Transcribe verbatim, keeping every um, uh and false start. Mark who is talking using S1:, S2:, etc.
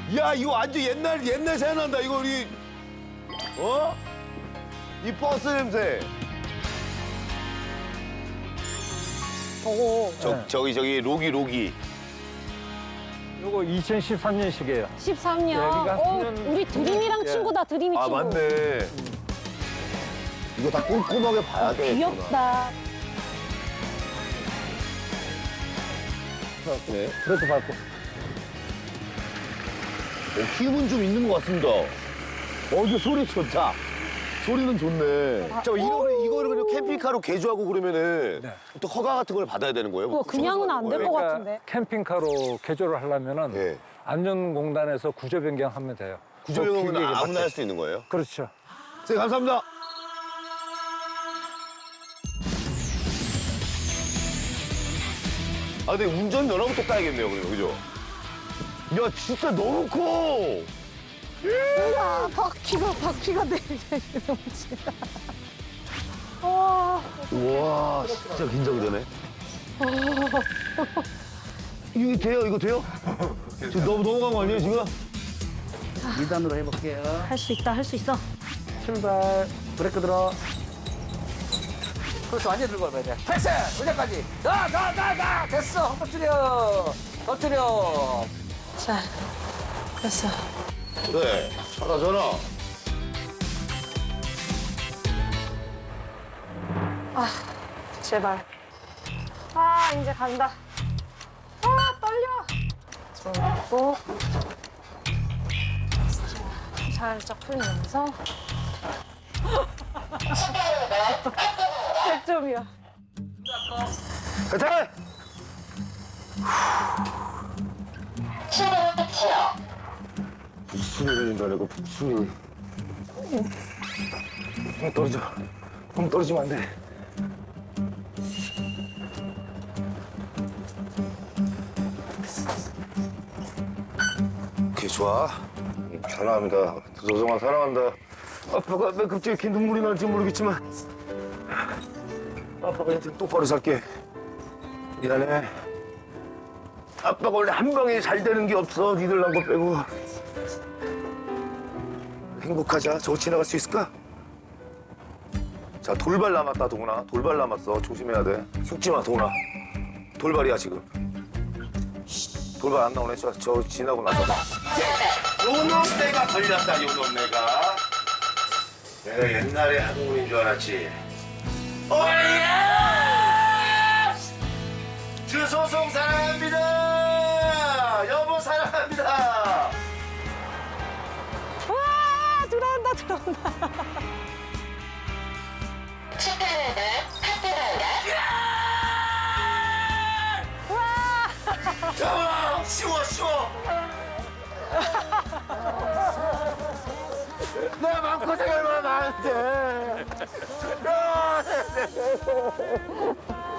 S1: 야, 이거 완전 옛날, 옛날 생각난다. 이거 우리, 어? 이 버스 냄새.
S2: 저거
S1: 저, 저기, 저기, 로기, 로기.
S3: 요거 이천십삼 년식이에요.
S2: 십삼 년.
S3: 여기가
S2: 어,
S3: 년-
S2: 우리 드림이랑
S3: 예.
S2: 친구다, 드림이
S1: 아,
S2: 친구.
S1: 맞네. 이거 다 꼼꼼하게 봐야 돼.
S2: 귀엽다.
S1: 네.
S3: 그렇게 밟고.
S1: 어, 힘은 좀 있는 것 같습니다. 어, 이거 소리 좋다. 소리는 좋네. 저 이거를, 이거를 그냥 캠핑카로 개조하고 그러면은
S3: 네.
S1: 또 허가 같은 걸 받아야 되는 거예요?
S2: 그거 그냥은 안 될 것
S3: 그러니까
S2: 같은데.
S3: 캠핑카로 개조를 하려면은
S1: 예.
S3: 안전공단에서 구조 변경하면 돼요.
S1: 구조용은
S3: 그 기계에
S1: 아무나
S3: 맞게.
S1: 할 수 있는 거예요?
S3: 그렇죠.
S1: 선생님, 감사합니다. 아, 근데 운전 면허부터 따야겠네요, 그러면, 그죠? 야, 진짜 너무 커!
S2: 아, 바퀴가, 바퀴가 내리게 넘치다. 와,
S1: 우와, 진짜 긴장되네. 이게 돼요? 이거 돼요? 지금 너무 넘어간 거 아니에요, 지금?
S4: 이 단으로 해볼게요.
S2: 할 수 있다, 할 수 있어.
S3: 출발.
S4: 브레이크 들어. 그렇지, 완전 들고 가야 돼. 패스! 의자까지. 나, 나, 나, 나! 됐어! 터뜨려! 터뜨려!
S2: 자, 됐어.
S1: 그래, 전화, 전화.
S2: 제발. 아, 이제 간다. 아, 떨려. 손 놓고. 살짝 풀면서. 백 점이야.
S1: 가자! 북순이 걸린다, 내가 북순이. 형 떨어져. 형 떨어지면 안 돼. 오케이, 좋아. 음, 사랑합니다. 조성아, 사랑한다. 아빠가 왜 갑자기 이렇게 눈물이 나는지 모르겠지만 아빠가 인생 똑바로 살게. 미안해. 아빠가 원래 한 방에 잘 되는 게 없어. 니들 난 거 빼고. 행복하자. 저거 지나갈 수 있을까? 자, 돌발 남았다, 동훈아. 돌발 남았어. 조심해야 돼. 속지 마, 동훈아. 돌발이야, 지금. 돌발 안 나오네. 저, 저 지나고 나서. 요놈 내가 걸렸다, 요놈 내가. 내가 옛날에 한국인인 줄 알았지. 오예! 주소송 사랑합니다. 여보 사랑합니다.
S2: 와, 들어온다, 들어온다.
S1: 자, 쉬워 쉬워. 내 마음고생을 하면 안 돼.